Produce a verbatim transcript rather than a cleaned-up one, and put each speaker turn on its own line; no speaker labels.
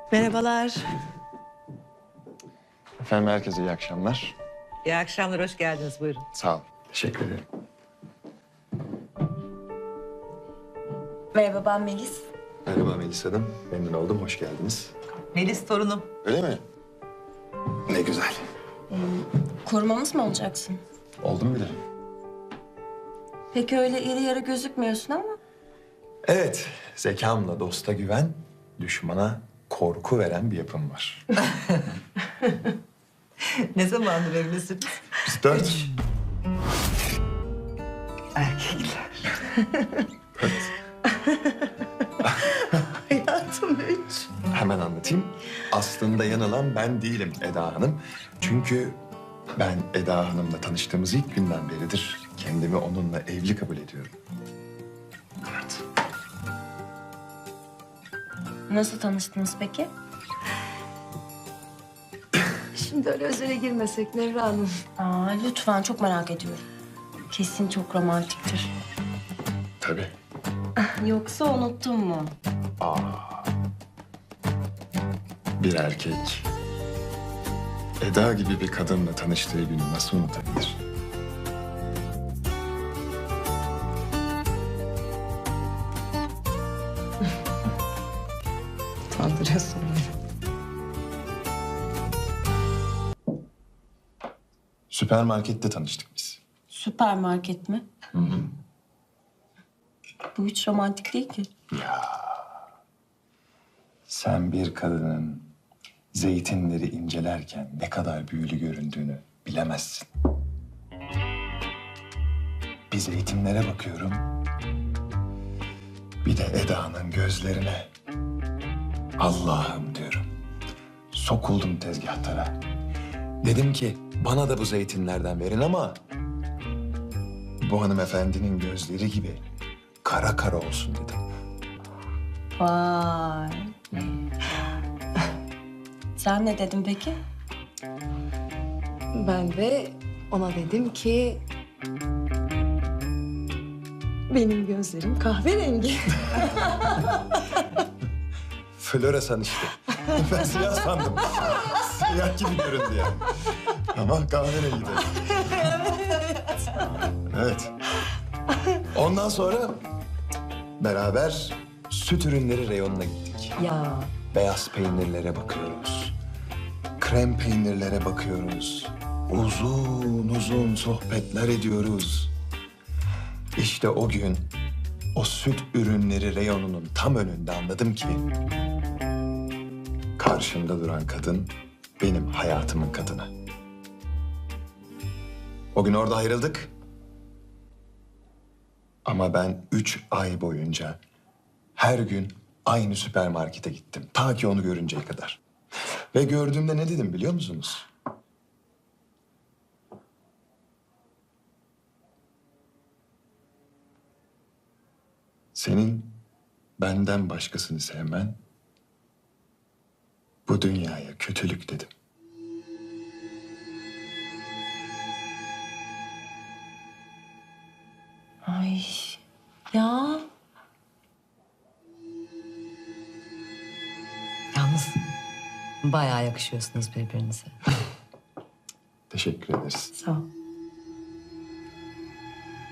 Merhabalar.
Efendim herkese iyi akşamlar.
İyi akşamlar, hoş geldiniz. Buyurun.
Sağ ol. Teşekkür ederim.
Merhaba, ben Melis.
Merhaba Melis Hanım. Memnun oldum. Hoş geldiniz.
Melis torunum.
Öyle mi? Ne güzel.
Korumamız mı olacaksın?
Oldum bile.
Peki öyle iri yarı gözükmüyorsun ama.
Evet. Zekamla dosta güven, düşmana korku veren bir yapım var.
Ne zamandır evlisiniz?
Biz dört.
Erkekler. Hayatım üç.
Hemen anlatayım. Aslında yanılan ben değilim Eda Hanım. Çünkü ben Eda Hanım'la tanıştığımız ilk günden beridir kendimi onunla evli kabul ediyorum. Evet.
Nasıl tanıştınız peki?
Şimdi öyle özele girmesek Nevra Hanım.
Aa, lütfen, çok merak ediyorum. Kesin çok romantiktir.
Tabii.
Yoksa unuttun mu?
Bir erkek Eda gibi bir kadınla tanıştığı günü nasıl unutabilir?
Utandırıyorsun beni.
Süpermarkette tanıştık biz.
Süpermarket mi? Hı hı. Bu hiç romantik değil ki.
Sen bir kadının zeytinleri incelerken ne kadar büyülü göründüğünü bilemezsin. Bir zeytinlere bakıyorum. Bir de Eda'nın gözlerine. Allah'ım diyorum. Sokuldum tezgahtara. Dedim ki bana da bu zeytinlerden verin ama bu hanımefendinin gözleri gibi kara kara olsun dedim.
Vay. Sen ne dedin peki?
Ben de ona dedim ki... Benim gözlerim kahverengi.
Floresan işte. Ben siyah sandım. Siyah gibi göründü yani. Ama kahverengi de. Evet. Ondan sonra beraber süt ürünleri reyonuna gittik.
Ya.
Beyaz peynirlere bakıyoruz. Krem peynirlere bakıyoruz. Uzun uzun sohbetler ediyoruz. İşte o gün o süt ürünleri reyonunun tam önünde anladım ki... karşımda duran kadın benim hayatımın kadını. O gün orada ayrıldık. Ama ben üç ay boyunca her gün aynı süpermarkete gittim. Ta ki onu görünceye kadar. Ve gördüğümde ne dedim biliyor musunuz? Senin benden başkasını sevmen bu dünyaya kötülük dedim.
Ay. Ya.
Yalnız bayağı yakışıyorsunuz birbirinize.
Teşekkür ederiz.
Sağ ol.